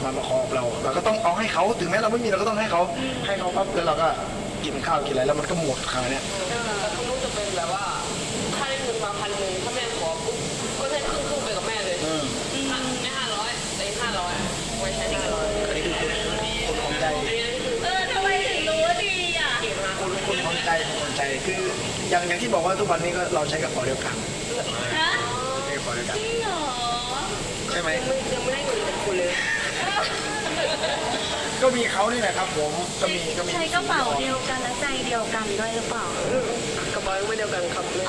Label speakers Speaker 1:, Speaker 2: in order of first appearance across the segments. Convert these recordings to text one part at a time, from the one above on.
Speaker 1: มาขอเราก็ต้องเอาให้เขาถึงแม้เราไม่มีเราก็ต้องให้เขาปั๊บแล้วเราก็กินข้าวกินอะไรแล้วมันก็หมดคราวเนี้ย
Speaker 2: แต่คุณลูกจะเป็นแบบว่าถ้าได้เงินมา1,000ถ้าแม่ขอปุ๊บก็ได้ครึ่งไปกับแม่เลยไม่500แต่500ไว้ใช้500
Speaker 1: อันนี้คือคนของใจ
Speaker 3: ทำไมถึงรู้ว่าดีอ่ะ
Speaker 1: คนของใจคืออย่างที่บอกว่าทุกวันนี้ก็เราใช้กระเป๋าเดียวกัน
Speaker 3: ฮะ
Speaker 1: ใช้กระเป๋าเดียวกัน
Speaker 3: จริงเหรอ
Speaker 1: ใช่ไหม
Speaker 2: ยังไม่ได้เงินจากคุณเลย
Speaker 1: ก็มีเขานี่แหละครับผมก็มี
Speaker 3: ใช้กระเป๋าเดียวกันและใจเดียวกันด้วยหรือเปล่าก
Speaker 2: ระเป๋าไม่เดียวกันครับเลย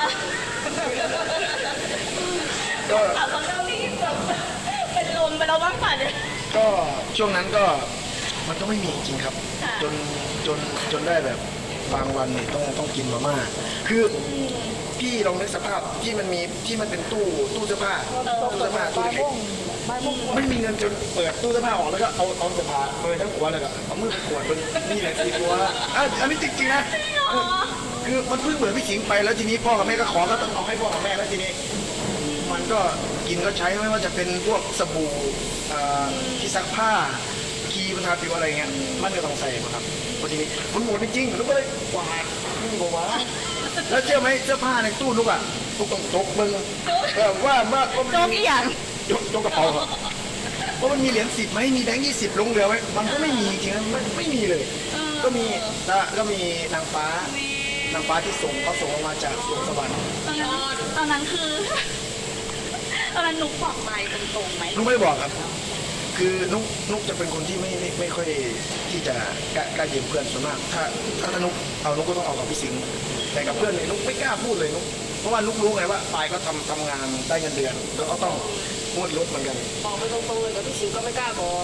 Speaker 1: ก็
Speaker 3: เขาเจ้านี่แบบเป็นลมไปแล้วบ้างป่ะเนี่ย
Speaker 1: ก็ช่วงนั้นก็มันก็ไม่มีจริงครับจนได้แบบบางวันเนี่ยต้องกินมาม่าคือพี่ลองนึกสภาพที่มันเป็นตู้เสื้อผ้าตู้เล็กไม่มีเงินจนเปิดตู้เสื้อผ้าออกแล้วก็เอาเสื้อผ้าเปิดทั้งหัวเลยก็เอามือไปขวดมันนี่แหละสีตัวอันนี้จริงๆนะคือมันเพิ่งเหมือนพี่ขิงไปแล้วทีนี้พ่อกับแม่ก็ขอก็ต้องเอาให้พ่อกับแม่แล้วทีนี้มันก็กินก็ใช้ไม่ว่าจะเป็นพวกสบู่ที่ซักผ้าครีมทาผิวอะไรเงี้ยมันก็ต้องใส่ครับพอทีนี้มันหมดจริงๆแล้วก็เลยกวาดบอกว่าแล้วเชื่อไหมเสื้อผ้าในตู้ลูกลูกต้องตกมึงว่า
Speaker 3: โจ๊กอีหยัง
Speaker 1: โจ๊กกระเป๋าเพราะมันมีเหรียญ10ไหมมีแบงค์20ลงเหลือไว้มันก็ไม่มีจริงๆไม่มีเลยก็มีนางฟ้าที่เขาส่งมาจากสวงสวรรค์
Speaker 3: ตอนนั้นคือตอนนั้นนุ๊กบอกไปตรงๆไหม
Speaker 1: นุ๊กไม่บอกครับคือนุ๊กจะเป็นคนที่ไม่ค่อยที่จะกล้ายืมเพื่อนส่วนมากถ้านุ๊กเอานุ๊กก็ต้องเอากับพี่สิงห์แต่กับเพื่อนเนี่ยนุ๊กไม่กล้าพูดเลยนุ๊กเพราะว่านุ๊กรู้ไงว่าปายก็ทำงานได้เงินเดือนแล้วก็ต้องงวดรถเหมือนกัน
Speaker 2: บอกไปตรงๆเลยแต่พี่สิงห์ก็ไม่กล้าบอก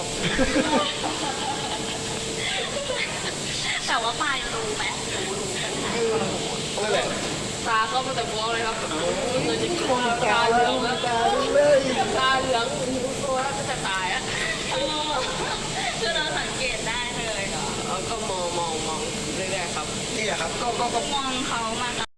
Speaker 3: แต่ว่าปายรู้ไหม
Speaker 1: นั่นแหละ
Speaker 2: ตาเขามาแต่ฟ้องเลยครับเงินจริงๆ
Speaker 1: ตาเหลือง
Speaker 2: ตาเหลืองตัวแล้วจะตายอ่ะ
Speaker 3: คือเราสังเกตได้เลย
Speaker 2: ก็มองเรื่อยๆครับ
Speaker 1: นี่แหละครับก็
Speaker 3: มองเขามา